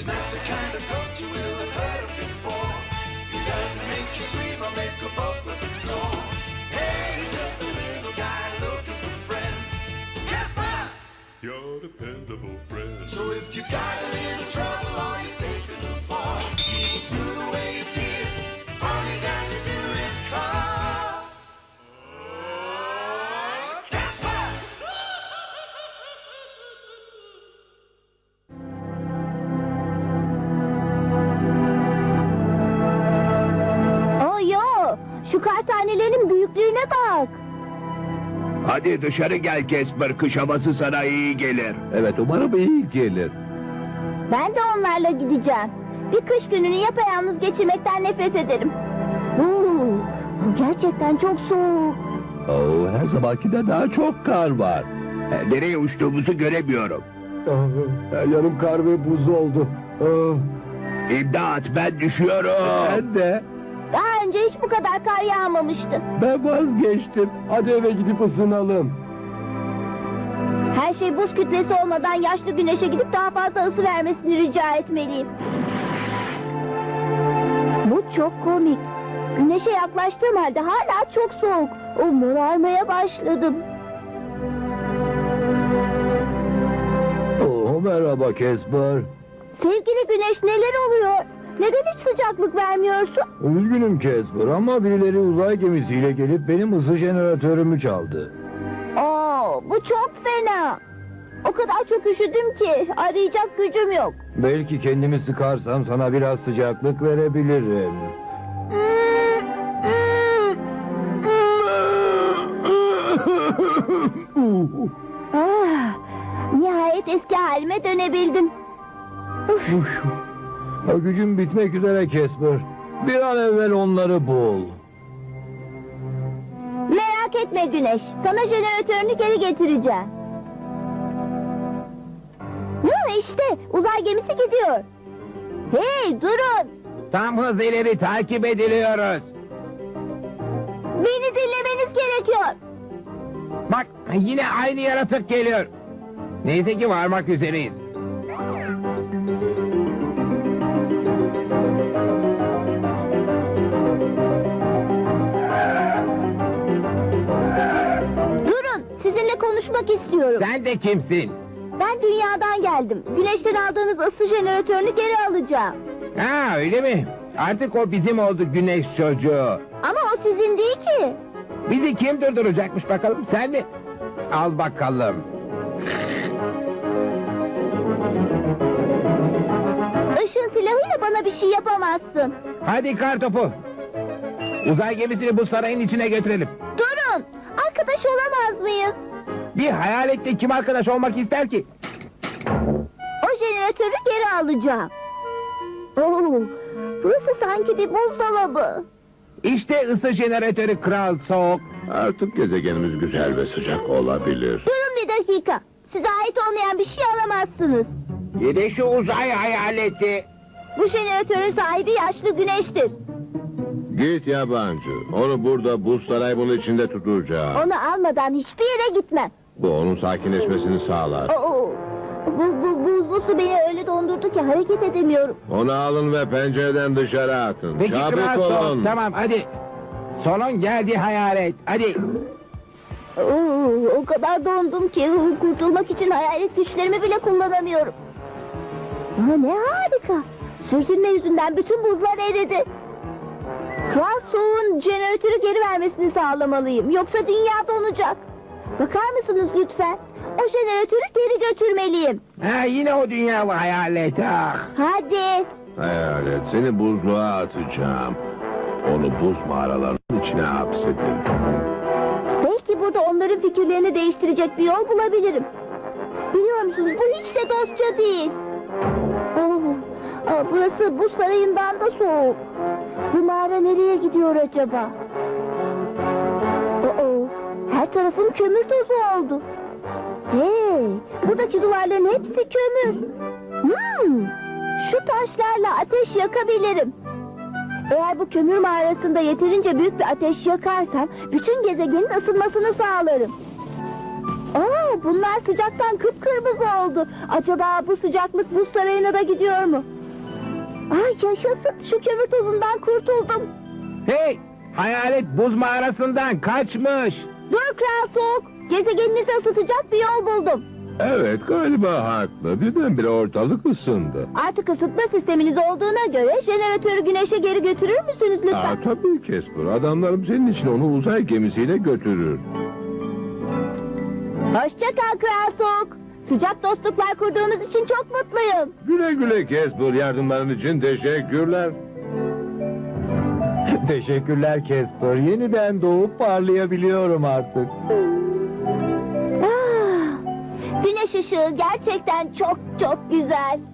He's not the kind of ghost you will have heard of before. He doesn't make you scream or make a bolt at the door. Hey, he's just a little guy looking for friends. Casper! Your dependable friend. So if you've got a little trouble or you've taken a fall, he will soothe away your tears. All you got to do is call Casper! Oh yo, şu kar tanelerinin büyüklüğüne bak. Hadi dışarı gel Casper, kış havası sana iyi gelir. Evet, umarım iyi gelir. Ben de onlarla gideceğim. Bir kış gününü yapayalnız geçirmekten nefret ederim. Bu gerçekten çok soğuk. Her zamankinden daha çok kar var. Nereye uçtuğumuzu göremiyorum. Yarım kar ve buz oldu. İmdat, ben düşüyorum. Ben de. Daha önce hiç bu kadar kar yağmamıştı. Ben vazgeçtim. Hadi eve gidip ısınalım. Her şey buz kütlesi olmadan yaşlı güneşe gidip daha fazla ısı vermesini rica etmeliyim. Bu çok komik. Güneşe yaklaştığım halde hala çok soğuk. Morarmaya başladım. Merhaba Casper. Sevgili güneş, neler oluyor? Neden hiç sıcaklık vermiyorsun? Üzgünüm Casper ama birileri uzay gemisiyle gelip benim ısı jeneratörümü çaldı. Bu çok fena. O kadar çok üşüdüm ki arayacak gücüm yok. Belki kendimi sıkarsam sana biraz sıcaklık verebilirim. Nihayet eski halime dönebildim. Gücüm bitmek üzere Casper. Bir an evvel onları bul. Merak etme Güneş, sana jeneratörünü geri getireceğim. İşte uzay gemisi gidiyor. Hey, durun! Tam hız ileri takip ediliyoruz. Beni dinlemeniz gerekiyor. Bak, yine aynı yaratık geliyor. Neyse ki varmak üzereyiz. Durun, sizinle konuşmak istiyorum. Sen de kimsin? Ben dünyadan geldim. Güneşten aldığınız ısı jeneratörünü geri alacağım. Ha, öyle mi? Artık o bizim oldu, güneş çocuğu. Ama o sizin değil ki. Bizi kim durduracakmış bakalım, sen mi? Al bakalım. Işın silahıyla bana bir şey yapamazsın. Hadi kartopu. Uzay gemisini bu sarayın içine götürelim. Durun! Arkadaş olamaz mıyız? Bir hayaletle kim arkadaş olmak ister ki? O jeneratörü geri alacağım. Burası sanki bir buzdolabı. İşte ısı jeneratörü Kral Soğuk. Artık gezegenimiz güzel ve sıcak olabilir. Durun bir dakika. Size ait olmayan bir şey alamazsınız. Yine şu uzay hayaleti. Bu jeneratörün sahibi yaşlı güneştir. Git yabancı. Onu burada buz saray bunun içinde tutacağım. Onu almadan hiçbir yere gitmem. Bu onun sakinleşmesini sağlar. Bu buzlu su beni öyle dondurdu ki hareket edemiyorum. Onu alın ve pencereden dışarı atın. Peki Kral Çabuk Soğuk, olun. tamam hadi. Sonun geldi hayalet, hadi. O kadar dondum ki kurtulmak için hayalet güçlerimi bile kullanamıyorum. Ne harika. Sürtünme yüzünden bütün buzlar eridi. Kral Soğuk'un jeneratörü geri vermesini sağlamalıyım. Yoksa dünya donacak. Bakar mısınız lütfen? O jeneratörü geri götürmeliyim. Ha, yine o dünyalı hayalet, ah. Hadi. Hayalet, seni buzluğa atacağım. Onu buz mağaralarının içine hapsedin. Belki burada onların fikirlerini değiştirecek bir yol bulabilirim. Biliyor musunuz, bu hiç de dostça değil. Burası buz sarayından da soğuk. Bu mağara nereye gidiyor acaba? Her tarafım kömür tozu oldu. Hey, buradaki duvarların hepsi kömür. Şu taşlarla ateş yakabilirim. Eğer bu kömür mağarasında yeterince büyük bir ateş yakarsam bütün gezegenin ısınmasını sağlarım. Bunlar sıcaktan kıpkırmızı oldu. Acaba bu sıcaklık buz sarayına da gidiyor mu? Ay yaşasın, şu kömür tozundan kurtuldum. Hey! Hayalet buz mağarasından kaçmış. Dur Kral Soğuk, gezegeninizi ısıtacak bir yol buldum. Evet galiba haklı. Birdenbire ortalık ısındı. Artık ısıtma sisteminiz olduğuna göre jeneratörü güneşe geri götürür müsünüz lütfen? Aa, tabii Casper. Adamlarım senin için onu uzay gemisiyle götürür. Hoşça kal Kral Soğuk. Sıcak dostluklar kurduğumuz için çok mutluyum. Güle güle Casper. Yardımların için teşekkürler. Teşekkürler Casper. Yeniden doğup parlayabiliyorum artık. Ah, güneş ışığı gerçekten çok çok güzel.